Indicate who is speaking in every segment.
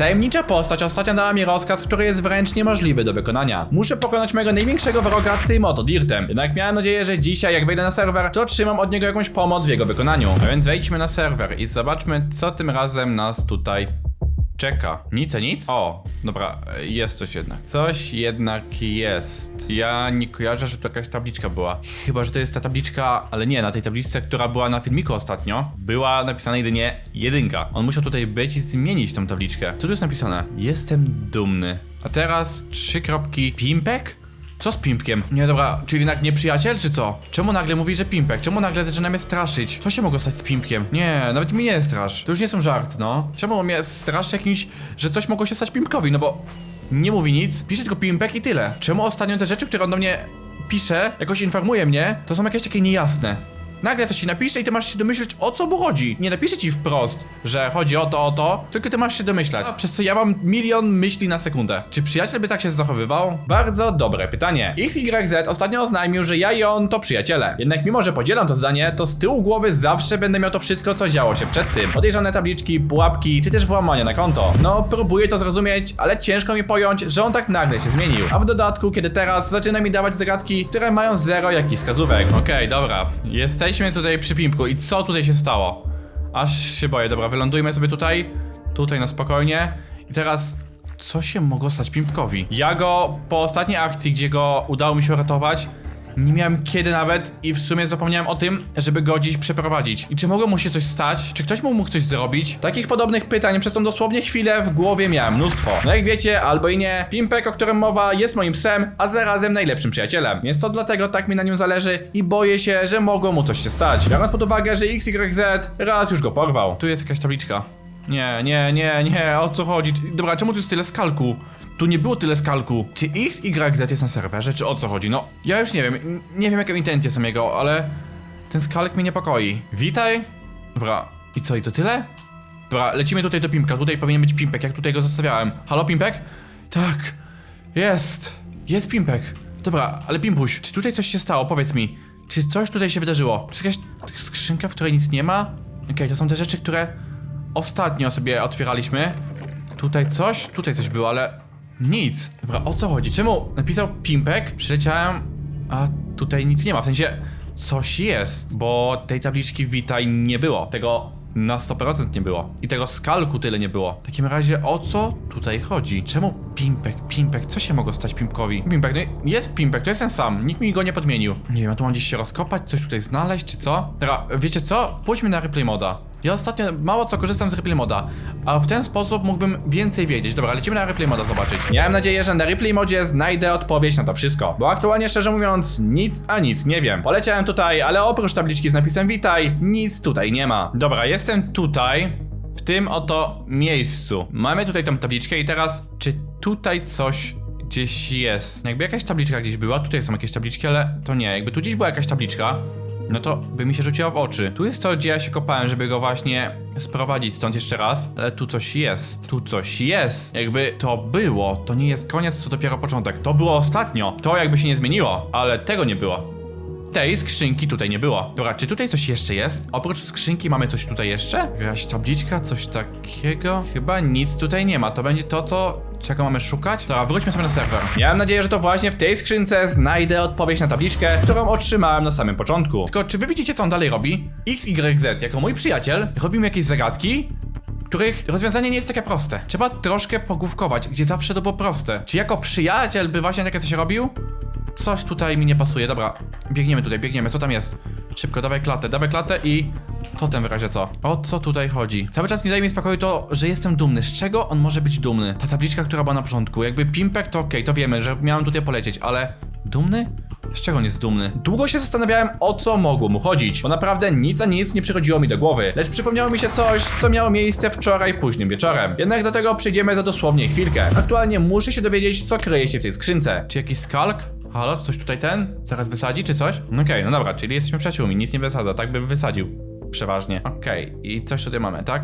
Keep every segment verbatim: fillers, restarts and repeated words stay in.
Speaker 1: Tajemnicza postać ostatnio dała mi rozkaz, który jest wręcz niemożliwy do wykonania. Muszę pokonać mojego największego wroga tym oto Dirtem. Jednak miałem nadzieję, że dzisiaj jak wejdę na serwer, to otrzymam od niego jakąś pomoc w jego wykonaniu. A więc wejdźmy na serwer i zobaczmy, co tym razem nas tutaj czeka. Nic, a nic? O, dobra, jest coś jednak. Coś jednak jest. Ja nie kojarzę, że to jakaś tabliczka była. Chyba, że to jest ta tabliczka, ale nie, na tej tabliczce, która była na filmiku ostatnio, była napisana jedynie jedynka. On musiał tutaj być i zmienić tą tabliczkę. Co tu jest napisane? Jestem dumny. A teraz trzy kropki. Pimpek? Co z Pimpkiem? Nie, dobra, czyli jednak nie przyjaciel, czy co? Czemu nagle mówi, że Pimpek? Czemu nagle zaczyna mnie straszyć? Co się mogło stać z Pimpkiem? Nie, nawet mi nie strasz. To już nie są żart, no. Czemu mnie straszy jakimś, że coś mogło się stać Pimpkowi? No bo nie mówi nic, pisze tylko Pimpek i tyle. Czemu ostatnio te rzeczy, które on do mnie pisze, jakoś informuje mnie, to są jakieś takie niejasne. Nagle coś ci napisze i ty masz się domyśleć, o co mu chodzi. Nie napisze ci wprost, że chodzi o to, o to, tylko ty masz się domyślać. A przez co ja mam milion myśli na sekundę. Czy przyjaciel by tak się zachowywał? Bardzo dobre pytanie. X Y Z ostatnio oznajmił, że ja i on to przyjaciele. Jednak mimo, że podzielam to zdanie, to z tyłu głowy zawsze będę miał to wszystko, co działo się przed tym. Podejrzane tabliczki, pułapki, czy też włamania na konto. No, próbuję to zrozumieć, ale ciężko mi pojąć, że on tak nagle się zmienił. A w dodatku, kiedy teraz zaczyna mi dawać zagadki, które mają zero jakichś wskazówek. Okej, okay, dobra. Jesteśmy tutaj przy Pimpku i co tutaj się stało? Aż się boję, dobra, wylądujmy sobie tutaj. Tutaj na spokojnie. I teraz, co się mogło stać Pimpkowi? Ja go po ostatniej akcji, gdzie go udało mi się uratować, nie miałem kiedy nawet i w sumie zapomniałem o tym, żeby go gdzieś przeprowadzić. I czy mogło mu się coś stać? Czy ktoś mu mógł coś zrobić? Takich podobnych pytań przez tą dosłownie chwilę w głowie miałem mnóstwo. No jak wiecie, albo i nie, Pimpek, o którym mowa, jest moim psem, a zarazem najlepszym przyjacielem. Więc to dlatego tak mi na nim zależy i boję się, że mogło mu coś się stać. Biorąc pod uwagę, że X Y Z raz już go porwał. Tu jest jakaś tabliczka. Nie, nie, nie, nie, o co chodzi? Dobra, czemu tu jest tyle skalku? Tu nie było tyle skalku. Czy X Y Z jest na serwerze, czy o co chodzi? No, ja już nie wiem, nie wiem jakie intencje są jego, ale ten skalek mnie niepokoi. Witaj. Dobra, i co, i to tyle? Dobra, lecimy tutaj do Pimpka, tutaj powinien być Pimpek, jak tutaj go zostawiałem. Halo, Pimpek? Tak, jest, jest Pimpek. Dobra, ale Pimpuś, czy tutaj coś się stało? Powiedz mi, czy coś tutaj się wydarzyło? To jest jakaś skrzynka, w której nic nie ma? Okej, okay, to są te rzeczy, które ostatnio sobie otwieraliśmy. Tutaj coś? Tutaj coś było, ale nic. Dobra, o co chodzi? Czemu napisał Pimpek? Przyleciałem, a tutaj nic nie ma. W sensie, coś jest, bo tej tabliczki witaj nie było. Tego na sto procent nie było. I tego skalku tyle nie było. W takim razie, o co tutaj chodzi? Czemu Pimpek? Pimpek? Co się mogło stać Pimpkowi? Pimpek, no jest Pimpek, to jest ten sam. Nikt mi go nie podmienił. Nie wiem, a tu mam gdzieś się rozkopać, coś tutaj znaleźć, czy co? Dobra, wiecie co? Pójdźmy na replay moda. Ja ostatnio mało co korzystam z replay moda, a w ten sposób mógłbym więcej wiedzieć. Dobra, lecimy na replay moda zobaczyć. Miałem nadzieję, że na replay modzie znajdę odpowiedź na to wszystko, bo aktualnie szczerze mówiąc nic a nic nie wiem. Poleciałem tutaj, ale oprócz tabliczki z napisem witaj, nic tutaj nie ma. Dobra, jestem tutaj, w tym oto miejscu. Mamy tutaj tą tabliczkę i teraz, czy tutaj coś gdzieś jest? Jakby jakaś tabliczka gdzieś była, tutaj są jakieś tabliczki, ale to nie. Jakby tu gdzieś była jakaś tabliczka, no to by mi się rzuciło w oczy. Tu jest to, gdzie ja się kopałem, żeby go właśnie sprowadzić stąd jeszcze raz. Ale tu coś jest. Tu coś jest. Jakby to było. To nie jest koniec, to dopiero początek. To było ostatnio. To jakby się nie zmieniło. Ale tego nie było. Tej skrzynki tutaj nie było. Dobra, czy tutaj coś jeszcze jest? Oprócz skrzynki mamy coś tutaj jeszcze? Jakaś tabliczka, coś takiego? Chyba nic tutaj nie ma. To będzie to, co... czego mamy szukać? Dobra, wróćmy sobie na serwer. Miałem nadzieję, że to właśnie w tej skrzynce znajdę odpowiedź na tabliczkę, którą otrzymałem na samym początku. Tylko czy wy widzicie, co on dalej robi? X Y Z, jako mój przyjaciel, robi mi jakieś zagadki, których rozwiązanie nie jest takie proste. Trzeba troszkę pogłówkować, gdzie zawsze to było proste. Czy jako przyjaciel by właśnie takie coś robił? Coś tutaj mi nie pasuje. Dobra, biegniemy tutaj, biegniemy. Co tam jest? Szybko, dawaj klatę, dawaj klatę i... totem w razie co. O co tutaj chodzi? Cały czas nie daje mi spokoju to, że jestem dumny. Z czego on może być dumny? Ta tabliczka, która była na początku. Jakby Pimpek to okej, okay, to wiemy, że miałem tutaj polecieć, ale... dumny? Z czego on jest dumny? Długo się zastanawiałem, o co mogło mu chodzić, bo naprawdę nic a nic nie przychodziło mi do głowy. Lecz przypomniało mi się coś, co miało miejsce wczoraj późnym wieczorem. Jednak do tego przejdziemy za dosłownie chwilkę. Aktualnie muszę się dowiedzieć, co kryje się w tej skrzynce. Czy jakiś skalk? Halo, coś tutaj ten? Zaraz wysadzi, czy coś? Okej, okay, no dobra, czyli jesteśmy przyjaciółmi, nic nie wysadza, tak bym wysadził. Przeważnie. Okej, okay. I coś tutaj mamy, tak?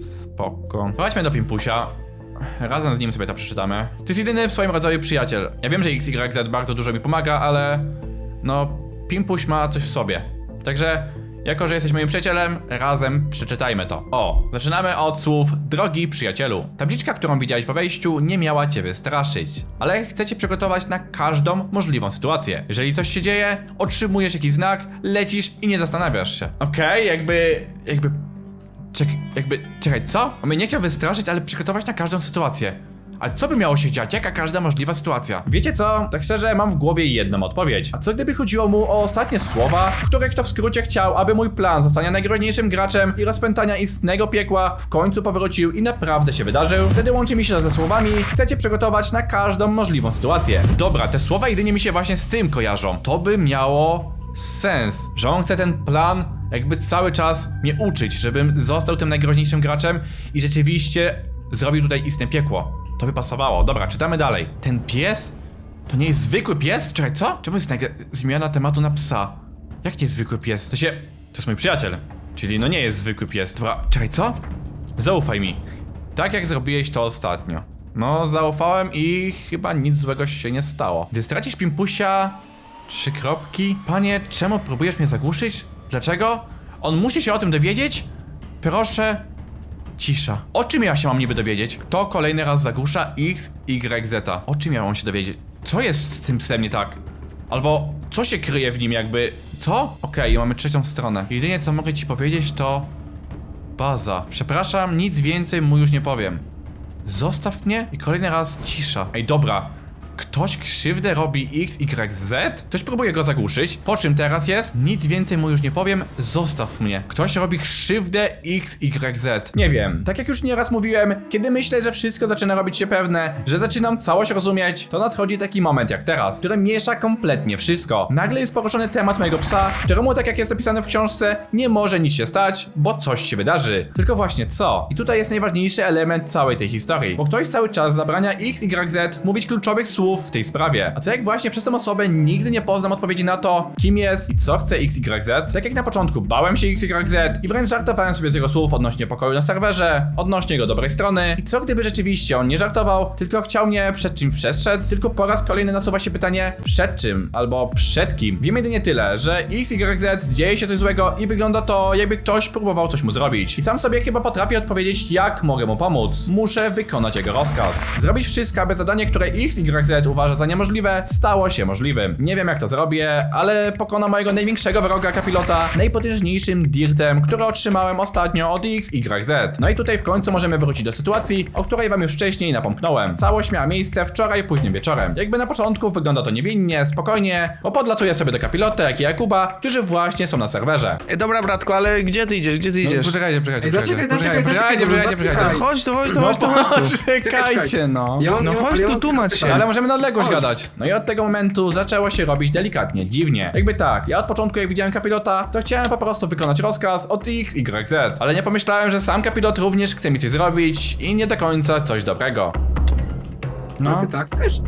Speaker 1: Spoko. Chodźmy do Pimpusia. Razem z nim sobie to przeczytamy. To jest jedyny w swoim rodzaju przyjaciel. Ja wiem, że X Y Z bardzo dużo mi pomaga, ale... no, Pimpuś ma coś w sobie. Także... jako że jesteś moim przyjacielem, razem przeczytajmy to. O, zaczynamy od słów drogi przyjacielu. Tabliczka, którą widziałeś po wejściu, nie miała cię wystraszyć, ale chcę cię przygotować na każdą możliwą sytuację. Jeżeli coś się dzieje, otrzymujesz jakiś znak, lecisz i nie zastanawiasz się. Okej, okay, jakby... jakby... Czek, jakby... Czekaj, co? On mnie nie chciał wystraszyć, ale przygotować na każdą sytuację. Ale co by miało się dziać? Jaka każda możliwa sytuacja? Wiecie co? Tak szczerze, mam w głowie jedną odpowiedź. A co gdyby chodziło mu o ostatnie słowa, w których to w skrócie chciał, aby mój plan zostania najgroźniejszym graczem i rozpętania istnego piekła w końcu powrócił i naprawdę się wydarzył? Wtedy łączy mi się to ze słowami: chcecie przygotować na każdą możliwą sytuację. Dobra, te słowa jedynie mi się właśnie z tym kojarzą. To by miało sens, że on chce ten plan jakby cały czas mnie uczyć, żebym został tym najgroźniejszym graczem i rzeczywiście zrobił tutaj istne piekło. To by pasowało. Dobra, czytamy dalej. Ten pies? To nie jest zwykły pies? Czekaj, co? Czemu jest nagle zmiana tematu na psa? Jak nie jest zwykły pies? To się... To jest mój przyjaciel. Czyli no nie jest zwykły pies. Dobra, czekaj, co? Zaufaj mi. Tak jak zrobiłeś to ostatnio. No, zaufałem i chyba nic złego się nie stało. Gdy stracisz pimpusia... Trzy kropki. Panie, czemu próbujesz mnie zagłuszyć? Dlaczego? On musi się o tym dowiedzieć? Proszę... Cisza. O czym ja się mam niby dowiedzieć? Kto kolejny raz zagłusza X, Y, Z? O czym ja mam się dowiedzieć? Co jest z tym psem nie tak? Albo co się kryje w nim jakby... Co? Okej, okay, mamy trzecią stronę. Jedynie co mogę ci powiedzieć to... Baza. Przepraszam, nic więcej mu już nie powiem. Zostaw mnie i kolejny raz cisza. Ej, dobra. Ktoś krzywdę robi X, Y, Z? Ktoś próbuje go zagłuszyć. Po czym teraz jest? Nic więcej mu już nie powiem. Zostaw mnie. Ktoś robi krzywdę X, Y, Z. Nie wiem. Tak jak już nieraz mówiłem, kiedy myślę, że wszystko zaczyna robić się pewne, że zaczynam całość rozumieć, to nadchodzi taki moment jak teraz, który miesza kompletnie wszystko. Nagle jest poruszony temat mojego psa, któremu, tak jak jest napisane w książce, nie może nic się stać, bo coś się wydarzy. Tylko właśnie co? I tutaj jest najważniejszy element całej tej historii, bo ktoś cały czas zabrania X, Y, Z mówić kluczowych słów w tej sprawie. A co jak właśnie przez tę osobę nigdy nie poznam odpowiedzi na to, kim jest i co chce X Y Z? Tak jak na początku bałem się X Y Z i wręcz żartowałem sobie z jego słów odnośnie pokoju na serwerze, odnośnie jego dobrej strony. I co gdyby rzeczywiście on nie żartował, tylko chciał mnie przed czymś przestrzec? Tylko po raz kolejny nasuwa się pytanie, przed czym albo przed kim? Wiem jedynie tyle, że X Y Z dzieje się coś złego i wygląda to, jakby ktoś próbował coś mu zrobić. I sam sobie chyba potrafię odpowiedzieć, jak mogę mu pomóc. Muszę wykonać jego rozkaz. Zrobić wszystko, aby zadanie, które X Y Z uważa za niemożliwe, stało się możliwym. Nie wiem jak to zrobię, ale pokonam mojego największego wroga kapilota najpotężniejszym dirtem, który otrzymałem ostatnio od X Y Z. No i tutaj w końcu możemy wrócić do sytuacji, o której wam już wcześniej napomknąłem. Całość miała miejsce wczoraj późnym wieczorem. Jakby na początku wygląda to niewinnie, spokojnie, bo podlatuję sobie do kapilota, jak i Jakuba, którzy właśnie są na serwerze.
Speaker 2: Ej, dobra bratku, ale gdzie ty idziesz, gdzie ty
Speaker 1: No,
Speaker 2: idziesz?
Speaker 1: poczekajcie, poczekajcie,
Speaker 3: Ej,
Speaker 1: poczekajcie,
Speaker 3: zaczekaj, zaczekaj,
Speaker 1: poczekajcie,
Speaker 3: zaczekaj,
Speaker 1: poczekajcie,
Speaker 3: zaczekaj.
Speaker 1: poczekajcie.
Speaker 2: No chodź tu, chodź tu,
Speaker 1: No
Speaker 2: chodź tu, chodź tu.
Speaker 1: poczekajcie, no.
Speaker 3: Ja mam,
Speaker 2: No
Speaker 3: ja mam,
Speaker 2: chodź
Speaker 3: ja
Speaker 2: tu,
Speaker 3: mam
Speaker 2: tłumacz
Speaker 3: tylko
Speaker 2: się.
Speaker 1: Ale
Speaker 3: pytanie.
Speaker 1: możemy na odległość
Speaker 3: Chodź.
Speaker 1: gadać. No i od tego momentu zaczęło się robić delikatnie, dziwnie. Jakby tak, ja od początku jak widziałem kapilota, to chciałem po prostu wykonać rozkaz od X Y Z. Ale nie pomyślałem, że sam kapilot również chce mi coś zrobić i nie do końca coś dobrego.
Speaker 3: No.
Speaker 1: No.
Speaker 3: Ty tak chcesz?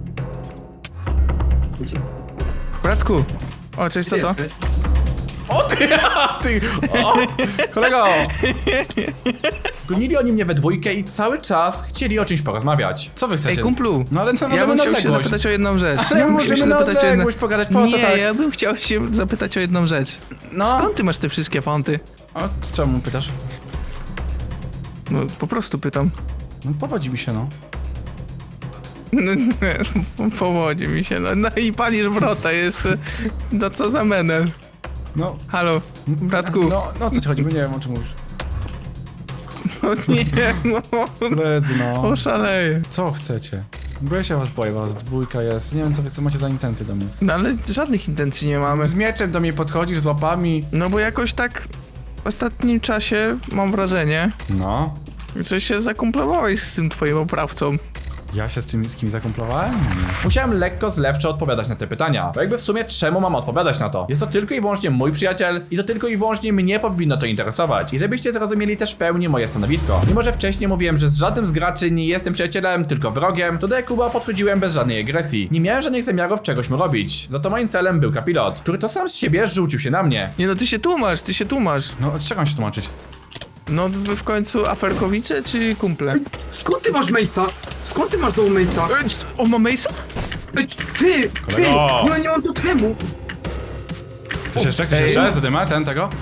Speaker 3: Gdzie
Speaker 2: Bratku. O, cześć, co to?
Speaker 3: jesteś?
Speaker 1: O ty, a ty, o, kolego! Gonili oni mnie we dwójkę i cały czas chcieli o czymś porozmawiać. Co wy chcecie?
Speaker 2: Ej, kumplu.
Speaker 1: No ale co,
Speaker 2: Ja
Speaker 1: możemy
Speaker 2: bym
Speaker 1: na
Speaker 2: chciał się
Speaker 1: odległość.
Speaker 2: zapytać o jedną rzecz.
Speaker 1: Ale
Speaker 2: Ja bym
Speaker 1: możemy
Speaker 2: chciał się
Speaker 1: na
Speaker 2: zapytać o jedną-
Speaker 1: odległość pogadać, po co
Speaker 2: Nie,
Speaker 1: tak?
Speaker 2: ja bym chciał się zapytać o jedną rzecz.
Speaker 1: No.
Speaker 2: Skąd ty masz te wszystkie fonty?
Speaker 1: O, czemu pytasz?
Speaker 2: No, po prostu pytam.
Speaker 1: No powodzi mi się, no.
Speaker 2: No, nie, powodzi mi się, no, no i palisz wrota, jest... No co za menel.
Speaker 1: No,
Speaker 2: Halo, bratku.
Speaker 1: no, no o co ci chodzi, bo nie wiem o czym mówisz.
Speaker 2: No nie, no.
Speaker 1: Koledzy, no.
Speaker 2: Oszaleję.
Speaker 1: Co chcecie? Bo ja się was boję, was dwójka jest. Nie wiem co wy co macie za intencje do mnie.
Speaker 2: No ale żadnych intencji nie mamy.
Speaker 1: Z mieczem do mnie podchodzisz, z łapami.
Speaker 2: No bo jakoś tak w ostatnim czasie mam wrażenie,
Speaker 1: No.
Speaker 2: że się zakumplowałeś z tym twoim oprawcą.
Speaker 1: Ja się z, czym, z kimś zakumplowałem? Musiałem lekko zlewczo odpowiadać na te pytania. Bo jakby w sumie czemu mam odpowiadać na to? Jest to tylko i wyłącznie mój przyjaciel i to tylko i wyłącznie mnie powinno to interesować. I żebyście zrozumieli też w pełni moje stanowisko. Mimo, że wcześniej mówiłem, że z żadnym z graczy nie jestem przyjacielem, tylko wrogiem, to do Jakuba podchodziłem bez żadnej agresji. Nie miałem żadnych zamiarów czegoś mu robić. Za to moim celem był kapilot, który to sam z siebie rzucił się na mnie.
Speaker 2: Nie no, ty się tłumasz, ty się tłumasz.
Speaker 1: No, od czego mam się tłumaczyć?
Speaker 2: No wy w końcu aferkowicze czy kumple?
Speaker 3: Ej, skąd ty masz Mace'a? Skąd ty masz znowu Mace'a?
Speaker 2: Ej, c- On ma Mace'a?
Speaker 3: Ej, ty! Ty!
Speaker 1: Kolego!
Speaker 3: No nie mam do temu!
Speaker 1: Ktoś jeszcze? Ktoś
Speaker 2: Ej.
Speaker 1: jeszcze? Zadyma ten tego?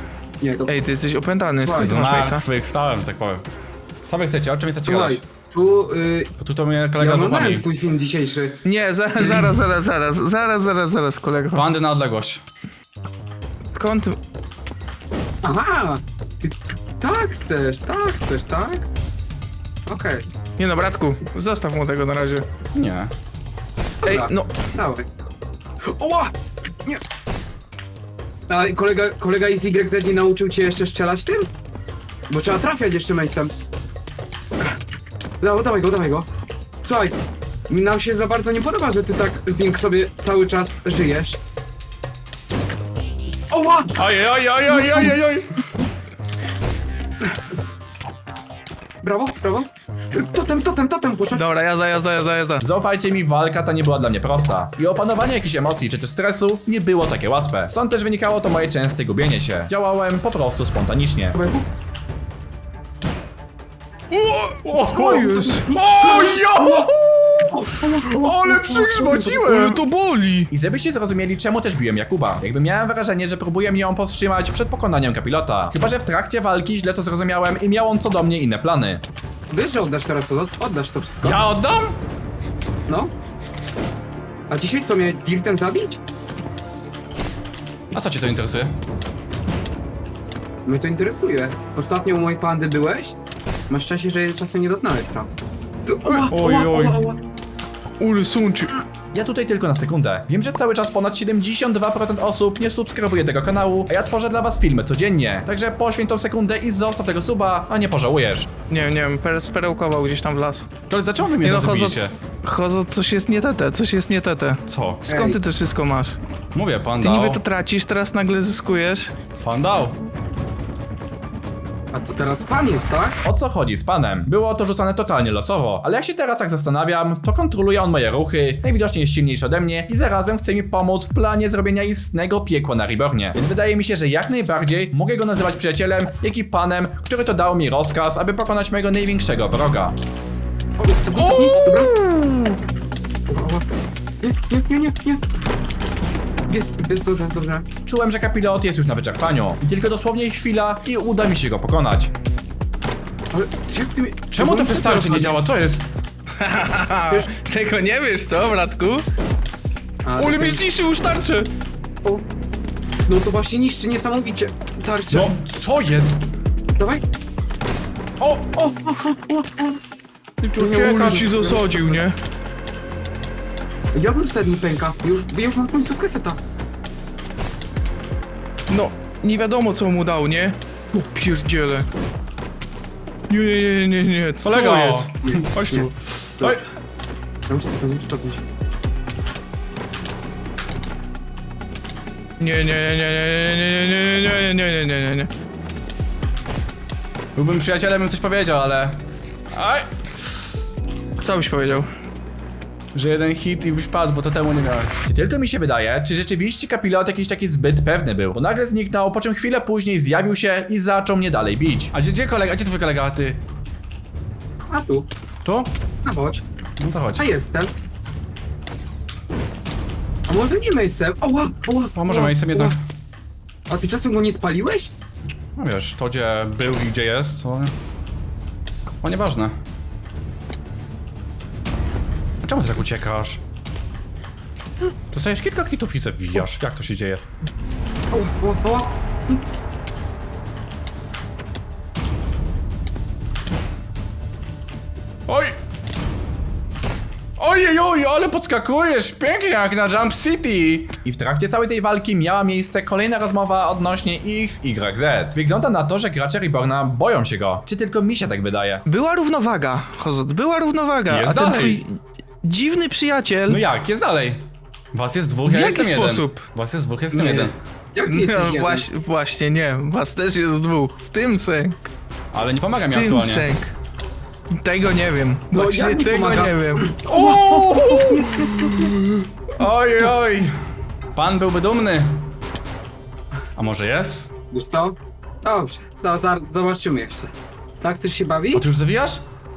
Speaker 3: Nie, to...
Speaker 2: Ej, ty jesteś opętany, skąd ty
Speaker 3: Słuchaj,
Speaker 2: masz Mace'a?
Speaker 1: Martwych stałem, że tak powiem. Co wy chcecie? O czym chcecie
Speaker 3: Słuchaj,
Speaker 1: gadać?
Speaker 3: tu... Y,
Speaker 1: Bo tu to mnie
Speaker 3: ja
Speaker 1: kolega z
Speaker 3: oglądałem
Speaker 1: łapami.
Speaker 3: twój film dzisiejszy.
Speaker 2: Nie, za, zaraz, zaraz, zaraz, zaraz, zaraz, zaraz, kolego.
Speaker 1: Bandy na odległość.
Speaker 2: Skąd ty...
Speaker 3: Aha! Ty tak chcesz, tak chcesz, tak? Okej,
Speaker 2: Nie no, bratku, zostaw mu tego na razie.
Speaker 1: Nie.
Speaker 2: Ej,
Speaker 3: dobra,
Speaker 2: no,
Speaker 3: dawaj. Oła! Nie! A kolega, kolega z Y Z nie nauczył cię jeszcze strzelać tym? Bo trzeba trafiać jeszcze Mace'em. Dawaj, dawaj go, dawaj go. Słuchaj, nam się za bardzo nie podoba, że ty tak z nim sobie cały czas żyjesz. Oła!
Speaker 1: Oj, oj, oj, oj, oj, oj, oj.
Speaker 3: Brawo, brawo. Totem, totem, totem, poszedł.
Speaker 2: dobra, jazda, jazda, jazda, jazda.
Speaker 1: Zaufajcie mi, walka ta nie była dla mnie prosta. I opanowanie jakichś emocji czy też stresu nie było takie łatwe. Stąd też wynikało to moje częste gubienie się. Działałem po prostu spontanicznie. O,
Speaker 2: Co jest?
Speaker 1: O, jo! Ale
Speaker 2: Ale
Speaker 1: przygrzmociłem!
Speaker 2: to boli!
Speaker 1: I żebyście zrozumieli, czemu też biłem Jakuba. Jakby miałem wrażenie, że próbuję ją powstrzymać przed pokonaniem kapilota. Chyba że w trakcie walki źle to zrozumiałem i miał on co do mnie inne plany.
Speaker 3: Wiesz, że oddasz teraz, od, oddasz to wszystko?
Speaker 1: Ja oddam?
Speaker 3: No. A dzisiaj co, mnie dirtem zabić?
Speaker 1: A co cię to interesuje?
Speaker 3: Mnie to interesuje. Ostatnio u mojej pandy byłeś? Masz szczęście, że jej czasem nie dotknąłeś tam. Oła,
Speaker 1: Oj,
Speaker 3: oła,
Speaker 1: oj.
Speaker 3: oła, oła.
Speaker 2: Ule sączy.
Speaker 1: Ja tutaj tylko na sekundę. Wiem, że cały czas ponad siedemdziesiąt dwa procent osób nie subskrybuje tego kanału, a ja tworzę dla was filmy codziennie. Także poświęć tą sekundę i zostaw tego suba, a nie pożałujesz.
Speaker 2: Nie wiem, nie wiem, per, sperełkował gdzieś tam w las.
Speaker 1: Koledzy, dlaczego wy mnie
Speaker 2: Nie
Speaker 1: to
Speaker 2: no, Hozo,
Speaker 1: zabijecie?
Speaker 2: Hozo, coś jest nie tete, coś jest nie tete.
Speaker 1: Co?
Speaker 2: Skąd
Speaker 3: Ej.
Speaker 2: ty to wszystko masz?
Speaker 1: Mówię, pan
Speaker 2: Ty
Speaker 1: dał.
Speaker 2: niby to tracisz, teraz nagle zyskujesz.
Speaker 1: Pan dał.
Speaker 3: A to teraz pan jest, tak?
Speaker 1: O co chodzi z panem? Było to rzucane totalnie losowo, ale jak się teraz tak zastanawiam, to kontroluje on moje ruchy, najwidoczniej jest silniejszy ode mnie i zarazem chce mi pomóc w planie zrobienia istnego piekła na Rebornie. Więc wydaje mi się, że jak najbardziej mogę go nazywać przyjacielem, jak i panem, który to dał mi rozkaz, aby pokonać mojego największego wroga.
Speaker 3: O, cofnij, cofnij, dobra. Oła, oła. Nie, nie, nie, nie, nie. Jest, jest dobrze, dobrze.
Speaker 1: Czułem, że kapilot jest już na wyczerpaniu i tylko dosłownie chwila i uda mi się go pokonać.
Speaker 3: Ale jak ty mi...
Speaker 1: Czemu to przez tarczy nie działa? Co jest?
Speaker 2: Haha, tego nie wiesz, co, bratku?
Speaker 3: A,
Speaker 2: Ule
Speaker 3: to
Speaker 2: mnie
Speaker 3: coś-
Speaker 2: zniszczył już tarczę!
Speaker 3: O. No to właśnie niszczy niesamowicie tarczę.
Speaker 1: No, co jest?
Speaker 3: Dawaj.
Speaker 1: O, o,
Speaker 2: Ule ci zasadził, nie?
Speaker 3: Jak już set mi pęka? Już, już mam końcówkę seta.
Speaker 2: No, nie wiadomo co mu dał, nie? O pierdziele. Nie, nie, nie, nie, nie, co
Speaker 1: kolego!
Speaker 2: jest?
Speaker 1: Chodź tu.
Speaker 3: Nie.
Speaker 1: Oj,
Speaker 3: Ja muszę stopnić, muszę stopnić.
Speaker 2: Nie, nie, nie, nie, nie, nie, nie, nie, nie, nie, nie, nie, nie.
Speaker 1: byłbym przyjacielem, bym coś powiedział, ale... Aj!
Speaker 2: Co byś powiedział?
Speaker 1: Że jeden hit i byś padł, bo to temu nie miałem. Czy tylko mi się wydaje, czy rzeczywiście kapilot jakiś taki zbyt pewny był? Bo nagle zniknął, po czym chwilę później zjawił się i zaczął mnie dalej bić. A gdzie, gdzie kolega, gdzie twój kolega, a ty?
Speaker 3: A tu.
Speaker 1: Tu?
Speaker 3: A chodź.
Speaker 1: No to chodź.
Speaker 3: A jestem. A może nie Mace'em? Oła, oła.
Speaker 1: A może
Speaker 3: oła,
Speaker 1: Mace'em jednak?
Speaker 3: oła. A ty czasem go nie spaliłeś?
Speaker 1: No wiesz, to gdzie był i gdzie jest, to... O, nieważne. A czemu ty tak uciekasz? Dostajesz kilka hitów i zabijasz. Jak to się dzieje?
Speaker 3: Oła, oła, oła.
Speaker 1: Oj! Ojej, oj, ale podskakujesz, pięknie jak na Jump City! I w trakcie całej tej walki miała miejsce kolejna rozmowa odnośnie X Y Z. Wygląda na to, że gracze Reborna boją się go. Czy tylko mi się tak wydaje?
Speaker 2: Była równowaga, Hozot, była równowaga,
Speaker 1: Jest
Speaker 2: a ten
Speaker 1: dalej.
Speaker 2: twój dziwny przyjaciel...
Speaker 1: No jak, jest dalej. Was jest dwóch, ja
Speaker 2: W
Speaker 1: jestem
Speaker 2: jaki
Speaker 1: jeden.
Speaker 2: sposób?
Speaker 1: Was jest dwóch, jestem
Speaker 3: Nie.
Speaker 1: jeden.
Speaker 3: Jak ty jesteś
Speaker 2: No,
Speaker 3: jeden?
Speaker 2: właśnie, właśnie nie, was też jest dwóch, w tym sęk,
Speaker 1: Ale nie pomaga mi
Speaker 2: w tym
Speaker 1: aktualnie.
Speaker 2: sęk. Tego nie wiem,
Speaker 3: No,
Speaker 2: właśnie
Speaker 3: jak mi
Speaker 2: tego
Speaker 3: pomaga?
Speaker 2: nie wiem.
Speaker 1: Uuu! Oj, oj. Pan byłby dumny. A może jest?
Speaker 3: Wiesz co? Dobrze, no, za, zobaczymy jeszcze. Tak, chcesz się bawić?
Speaker 1: O, ty już zawijasz?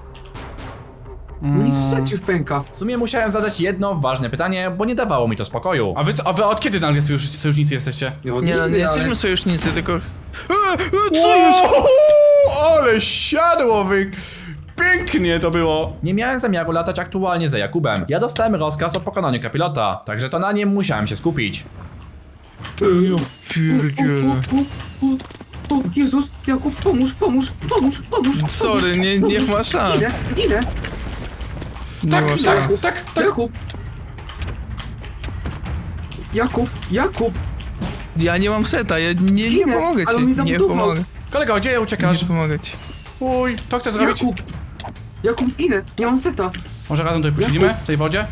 Speaker 3: Mi set już pęka.
Speaker 1: W sumie musiałem zadać jedno ważne pytanie, bo nie dawało mi to spokoju. A wy, co- a wy od kiedy nagle sojusz, sojusznicy jesteście?
Speaker 3: No,
Speaker 2: Nie no,
Speaker 3: nigdy,
Speaker 2: nie
Speaker 3: ale-
Speaker 2: jesteśmy sojusznicy, tylko E, e, co jest?
Speaker 1: Wow, ale siadło wy... Pięknie to było! Nie miałem zamiaru latać aktualnie za Jakubem. Ja dostałem rozkaz o pokonaniu kapilota, także to na nim musiałem się skupić.
Speaker 2: Ja pierdzielę.
Speaker 3: O, o, o, Jezus, Jakub, pomóż, pomóż, pomóż, pomóż.
Speaker 2: Sorry, nie, nie ma szans.
Speaker 3: Zginę, zginę.
Speaker 2: Nie
Speaker 1: Tak,
Speaker 2: ma
Speaker 1: tak,
Speaker 2: szans.
Speaker 1: tak, tak.
Speaker 3: Jakub. Jakub, Jakub.
Speaker 2: Ja nie mam seta, ja nie, nie
Speaker 3: Zginę,
Speaker 2: pomogę
Speaker 3: ale
Speaker 2: ci.
Speaker 3: on mi
Speaker 2: Nie
Speaker 3: zabudował.
Speaker 2: pomogę.
Speaker 1: Kolego, gdzie uciekasz?
Speaker 2: Nie pomogę ci.
Speaker 1: Uj, to chcę zrobić.
Speaker 3: Jakub. Jakub, zginę, nie mam seta.
Speaker 1: Może razem tutaj posiedzimy? W tej wodzie?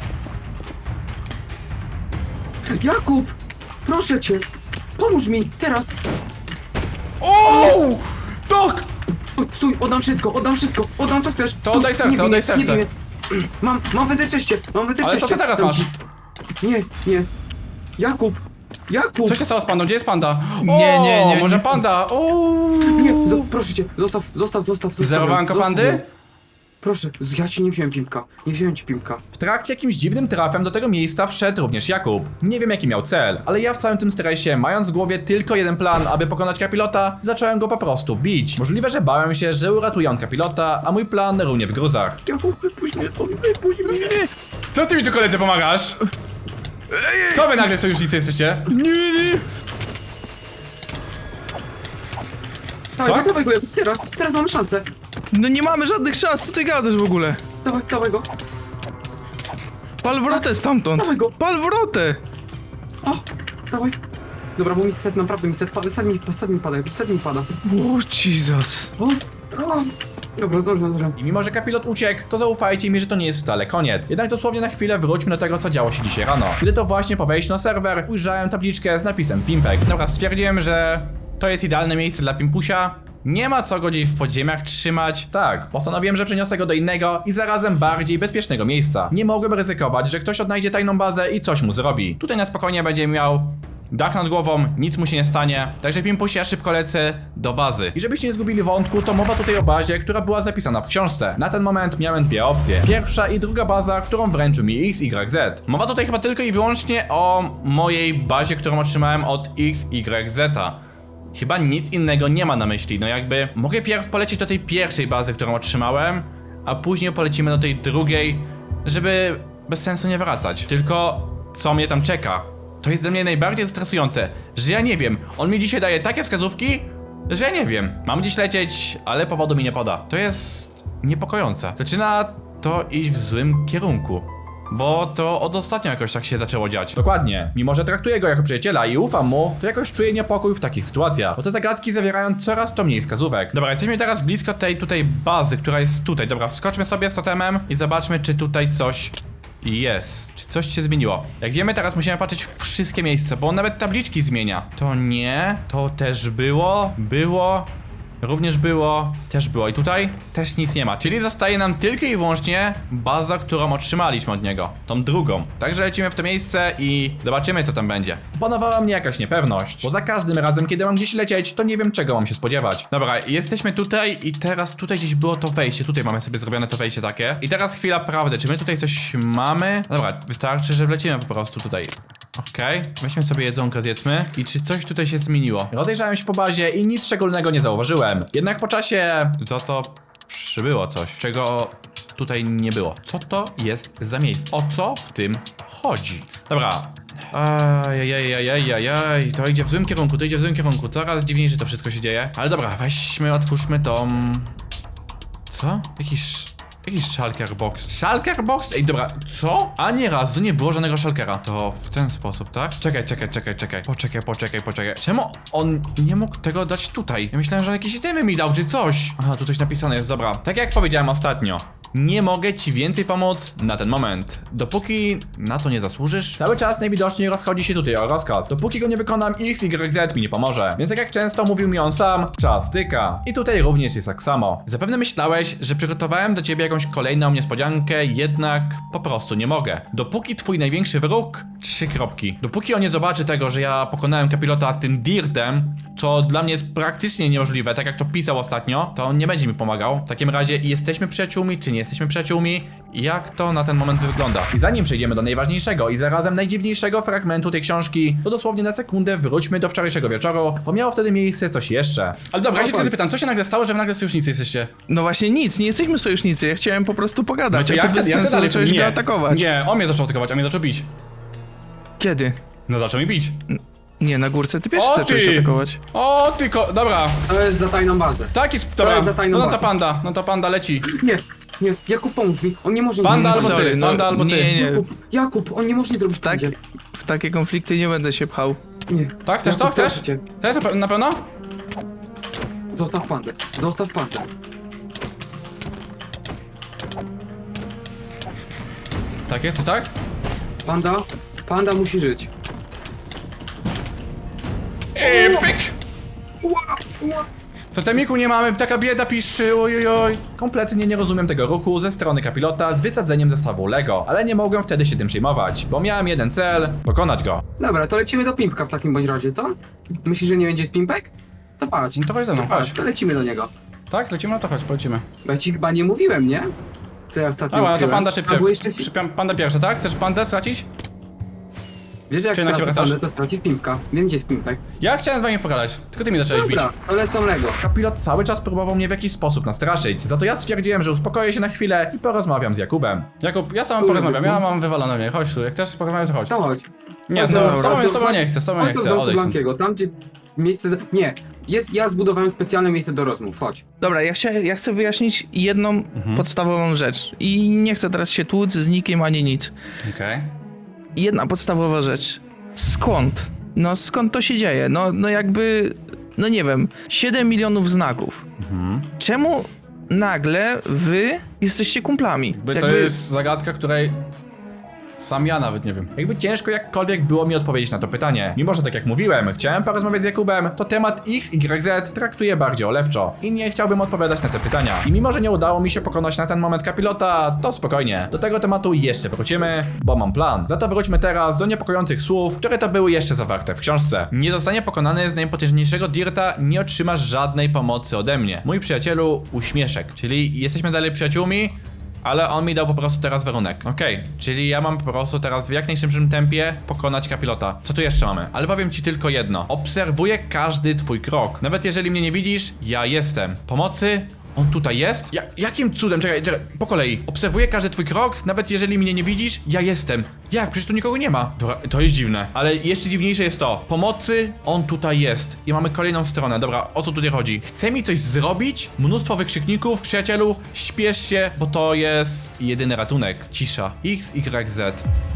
Speaker 3: Jakub, proszę cię. Pomóż mi, teraz.
Speaker 1: O! Tak!
Speaker 3: Stój, stój, oddam wszystko, oddam wszystko, oddam co chcesz.
Speaker 1: To
Speaker 3: Stój,
Speaker 1: oddaj serce,
Speaker 3: nie bij
Speaker 1: oddaj
Speaker 3: mnie, nie
Speaker 1: serce.
Speaker 3: bij mnie. Mam, mam wędrzeście, mam wędrzeście.
Speaker 1: Ale to co teraz masz?
Speaker 3: Nie, nie. Jakub, Jakub.
Speaker 1: Co się stało z pandą? Gdzie jest panda? O,
Speaker 2: Nie, nie, nie,
Speaker 1: może
Speaker 2: nie.
Speaker 1: panda? O!
Speaker 3: Nie, zo- proszę cię, zostaw, zostaw, zostaw, zostaw.
Speaker 1: Zerowanko
Speaker 3: zostaw
Speaker 1: pandy?
Speaker 3: ją. Proszę, z- ja ci nie wziąłem pimpka, nie wziąłem ci pimpka.
Speaker 1: W trakcie jakimś dziwnym trafem do tego miejsca wszedł również Jakub. Nie wiem jaki miał cel, ale ja w całym tym stresie, mając w głowie tylko jeden plan, aby pokonać kapilota, zacząłem go po prostu bić. Możliwe, że bałem się, że uratuje on kapilota, a mój plan runie w gruzach.
Speaker 3: Jakub, wypuść mnie stąd, wypuść mnie.
Speaker 1: Co ty mi tu koledzy pomagasz? Co wy nagle sojusznicy jesteście?
Speaker 2: Nie, nie.
Speaker 3: Dawaj,
Speaker 1: Tak?
Speaker 3: dawaj go, Jakub, teraz, teraz mamy szansę.
Speaker 2: No nie mamy żadnych szans, co ty gadasz w ogóle?
Speaker 3: Dawaj, dawaj go.
Speaker 2: Pal wrotę stamtąd.
Speaker 3: Dawaj go.
Speaker 2: Pal wrotę.
Speaker 3: O, dawaj. Dobra, bo mi set, naprawdę mi set, pa- set mi, set mi pada, Jakub, set mi pada.
Speaker 2: O, Jesus.
Speaker 3: O, o. Dobra, zdążę, zdążę.
Speaker 1: I mimo, że kapilot uciekł, to zaufajcie mi, że to nie jest wcale koniec. Jednak dosłownie na chwilę wróćmy do tego, co działo się dzisiaj rano. Kiedy to właśnie po wejściu na serwer ujrzałem tabliczkę z napisem Pimpek. Dobra, stwierdziłem, że to jest idealne miejsce dla Pimpusia. Nie ma co go gdzieś w podziemiach trzymać. Tak, postanowiłem, że przeniosę go do innego i zarazem bardziej bezpiecznego miejsca. Nie mogłem ryzykować, że ktoś odnajdzie tajną bazę i coś mu zrobi. Tutaj na spokojnie będzie miał dach nad głową, nic mu się nie stanie. Także Pimpusie, ja szybko lecę do bazy. I żebyście nie zgubili wątku, to mowa tutaj o bazie, która była zapisana w książce. Na ten moment miałem dwie opcje. Pierwsza i druga baza, którą wręczył mi X Y Z. Mowa tutaj chyba tylko i wyłącznie o mojej bazie, którą otrzymałem od X Y Z. Chyba nic innego nie ma na myśli, no jakby mogę pierw polecieć do tej pierwszej bazy, którą otrzymałem, a później polecimy do tej drugiej, żeby bez sensu nie wracać. Tylko co mnie tam czeka? To jest dla mnie najbardziej stresujące, że ja nie wiem. On mi dzisiaj daje takie wskazówki, że ja nie wiem. Mam gdzieś lecieć, ale powodu mi nie poda. To jest niepokojące. Zaczyna to iść w złym kierunku. Bo to od ostatnio jakoś tak się zaczęło dziać. Dokładnie. Mimo, że traktuję go jako przyjaciela i ufam mu, to jakoś czuję niepokój w takich sytuacjach. Bo te zagadki zawierają coraz to mniej wskazówek. Dobra, jesteśmy teraz blisko tej tutaj bazy, która jest tutaj. Dobra, wskoczmy sobie z totemem i zobaczmy, czy tutaj coś jest. Czy coś się zmieniło. Jak wiemy, teraz musimy patrzeć w wszystkie miejsca, bo on nawet tabliczki zmienia. To nie, to też było, było... Również było, też było i tutaj też nic nie ma, czyli zostaje nam tylko i wyłącznie baza, którą otrzymaliśmy od niego, tą drugą. Także lecimy w to miejsce i zobaczymy, co tam będzie. Panowała mnie jakaś niepewność, bo za każdym razem, kiedy mam gdzieś lecieć, to nie wiem, czego mam się spodziewać. Dobra, jesteśmy tutaj i teraz tutaj gdzieś było to wejście, tutaj mamy sobie zrobione to wejście takie. I teraz chwila prawdy, czy my tutaj coś mamy? No dobra, wystarczy, że wlecimy po prostu tutaj. Okej, okay. Weźmy sobie jedzonko, zjedzmy. I czy coś tutaj się zmieniło? Rozejrzałem się po bazie i nic szczególnego nie zauważyłem. Jednak po czasie za to przybyło coś, czego tutaj nie było. Co to jest za miejsce? O co w tym chodzi? Dobra. Ajajajajajajaj, to idzie w złym kierunku, to idzie w złym kierunku. Coraz dziwniej, że to wszystko się dzieje. Ale dobra, weźmy, otwórzmy tą... Co? Jakiś... Jakiś shulker box. Shulker box? Ej, dobra, co? Ani razu nie było żadnego shulkera. To w ten sposób, tak? Czekaj, czekaj, czekaj, czekaj. Poczekaj, poczekaj, poczekaj. Czemu on nie mógł tego dać tutaj? Ja myślałem, że on jakieś itemy mi dał, czy coś. Aha, tu coś napisane jest, dobra. Tak jak powiedziałem ostatnio. Nie mogę ci więcej pomóc na ten moment. Dopóki na to nie zasłużysz, cały czas najwidoczniej rozchodzi się tutaj o rozkaz. Dopóki go nie wykonam, X Y Z mi nie pomoże. Więc tak jak często mówił mi on sam, czas tyka. I tutaj również jest tak samo. Zapewne myślałeś, że przygotowałem do ciebie jakąś kolejną niespodziankę, jednak po prostu nie mogę. Dopóki twój największy wróg, Trzy kropki. Dopóki on nie zobaczy tego, że ja pokonałem kapilota tym dirtem, co dla mnie jest praktycznie niemożliwe, tak jak to pisał ostatnio, to on nie będzie mi pomagał. W takim razie jesteśmy przyjaciółmi, czy nie jesteśmy przyjaciółmi? Jak to na ten moment wygląda? I zanim przejdziemy do najważniejszego i zarazem najdziwniejszego fragmentu tej książki, to dosłownie na sekundę wróćmy do wczorajszego wieczoru, bo miało wtedy miejsce coś jeszcze. Ale dobra, ja się tylko zapytam, co się nagle stało, że wy nagle sojusznicy jesteście?
Speaker 2: No właśnie nic, nie jesteśmy sojusznicy, ja chciałem po prostu pogadać.
Speaker 1: No to
Speaker 2: a
Speaker 1: ja
Speaker 2: ty
Speaker 1: chcę,
Speaker 2: bez
Speaker 1: ja chcę
Speaker 2: sensu
Speaker 1: dalej
Speaker 2: zacząłeś go
Speaker 1: nie,
Speaker 2: atakować.
Speaker 1: Nie, on mnie zaczął atakować, a mnie zaczął bić.
Speaker 2: Kiedy?
Speaker 1: No zaczął mi bić.
Speaker 2: Nie, na górce ty pierwszy
Speaker 1: O,
Speaker 2: zacząłeś
Speaker 1: ty!
Speaker 2: atakować.
Speaker 1: O, tylko, dobra.
Speaker 3: To jest za tajną bazę.
Speaker 1: Tak jest, dobra.
Speaker 3: jest za tajną
Speaker 1: No ta
Speaker 3: bazą.
Speaker 1: panda, no ta panda leci.
Speaker 3: Nie, nie, Jakub pomóż mi, on nie może
Speaker 1: Panda
Speaker 3: nic
Speaker 1: albo
Speaker 3: zrobić.
Speaker 1: ty,
Speaker 2: Sorry, no,
Speaker 1: panda albo ty.
Speaker 2: nie, nie.
Speaker 3: Jakub, Jakub, on nie może nic zrobić
Speaker 2: Tak,
Speaker 3: pandzie.
Speaker 2: w takie konflikty nie będę się pchał.
Speaker 3: Nie.
Speaker 1: Tak, chcesz to?
Speaker 3: Jakub,
Speaker 1: Chcesz?
Speaker 3: proszę cię.
Speaker 1: Chcesz na pe- na pewno?
Speaker 3: Zostaw pandę, zostaw pandę.
Speaker 1: Tak jest, tak?
Speaker 3: Panda, panda musi żyć.
Speaker 1: I pyk!
Speaker 3: Ła, ła.
Speaker 1: Totemiku nie mamy, taka bieda piszczy, ojojoj. Kompletnie nie rozumiem tego ruchu ze strony kapilota z wysadzeniem zestawu Lego, ale nie mogłem wtedy się tym przejmować, bo miałem jeden cel, pokonać go.
Speaker 3: Dobra, to lecimy do Pimpka w takim bądź razie, co? Myślisz, że nie będzie z Pimpek? To patrz.
Speaker 1: No to chodź ze mną,
Speaker 3: To patrz,
Speaker 1: chodź.
Speaker 3: to lecimy do niego.
Speaker 1: Tak, lecimy? No to chodź, polecimy.
Speaker 3: Bo ja ci chyba nie mówiłem, nie? Co ja ostatnio
Speaker 1: Dobra, no to
Speaker 3: odkryłem.
Speaker 1: panda szybciej.
Speaker 3: Albo jeszcze...
Speaker 1: Przy- Panda pierwsza, tak? Chcesz pandę stracić?
Speaker 3: Wiesz, że jak
Speaker 1: Czy na ciebie
Speaker 3: stracę
Speaker 1: wracasz?
Speaker 3: pandę, to stracić Pimpka. Wiem, gdzie jest Pimpek.
Speaker 1: Ja chciałem z wami pogadać, tylko ty mnie zacząłeś bić.
Speaker 3: Dobra, to lecą Lego.
Speaker 1: Kapilot cały czas próbował mnie w jakiś sposób nastraszyć. Za to ja stwierdziłem, że uspokoję się na chwilę i porozmawiam z Jakubem. Jakub, ja z tobą
Speaker 3: Kurde,
Speaker 1: porozmawiam,
Speaker 3: tu.
Speaker 1: ja mam wywalone mnie. Chodź tu, jak chcesz porozmawiać, to chodź.
Speaker 3: To chodź.
Speaker 1: Nie,
Speaker 3: Chodź
Speaker 1: z
Speaker 3: do-
Speaker 1: tobą, z tobą,
Speaker 3: chodź
Speaker 1: z tobą
Speaker 3: do-
Speaker 1: nie chcę, z tobą nie
Speaker 3: Chodź do
Speaker 1: chcę,
Speaker 3: domku
Speaker 1: odejdź stąd.
Speaker 3: Blankiego, tam gdzie miejsce... Do... Nie, jest, ja zbudowałem specjalne miejsce do rozmów, chodź.
Speaker 2: Dobra, ja, chcia, ja chcę wyjaśnić jedną
Speaker 1: Mhm.
Speaker 2: podstawową rzecz. I nie chcę teraz się tłuc z nikim ani nic.
Speaker 1: Okej.
Speaker 2: Jedna podstawowa rzecz. Skąd? No skąd to się dzieje? No, no jakby, no nie wiem, siedem milionów znaków.
Speaker 1: Mhm.
Speaker 2: Czemu nagle wy jesteście kumplami?
Speaker 1: By to jest zagadka, której sam ja nawet nie wiem. Jakby ciężko jakkolwiek było mi odpowiedzieć na to pytanie. Mimo, że tak jak mówiłem, chciałem porozmawiać z Jakubem, to temat X Y Z traktuję bardziej olewczo i nie chciałbym odpowiadać na te pytania. I mimo, że nie udało mi się pokonać na ten moment kapilota, to spokojnie. Do tego tematu jeszcze wrócimy, bo mam plan. Za to wróćmy teraz do niepokojących słów, które to były jeszcze zawarte w książce. Nie zostanie pokonany z najpotężniejszego dirta, nie otrzymasz żadnej pomocy ode mnie. Mój przyjacielu, uśmieszek. Czyli jesteśmy dalej przyjaciółmi, ale on mi dał po prostu teraz warunek. Okej, czyli ja mam po prostu teraz w jak najszybszym tempie pokonać kapilota. Co tu jeszcze mamy? Ale powiem ci tylko jedno. Obserwuję każdy twój krok. Nawet jeżeli mnie nie widzisz, ja jestem. Pomocy? On tutaj jest? Ja, jakim cudem? Czekaj, czekaj, po kolei. Obserwuję każdy twój krok, nawet jeżeli mnie nie widzisz, ja jestem. Jak? Przecież tu nikogo nie ma. Dobra, to jest dziwne. Ale jeszcze dziwniejsze jest to. Pomocy, on tutaj jest. I mamy kolejną stronę. Dobra, o co tutaj chodzi? Chce mi coś zrobić? Mnóstwo wykrzykników. Przyjacielu, śpiesz się, bo to jest jedyny ratunek. Cisza. X Y Z.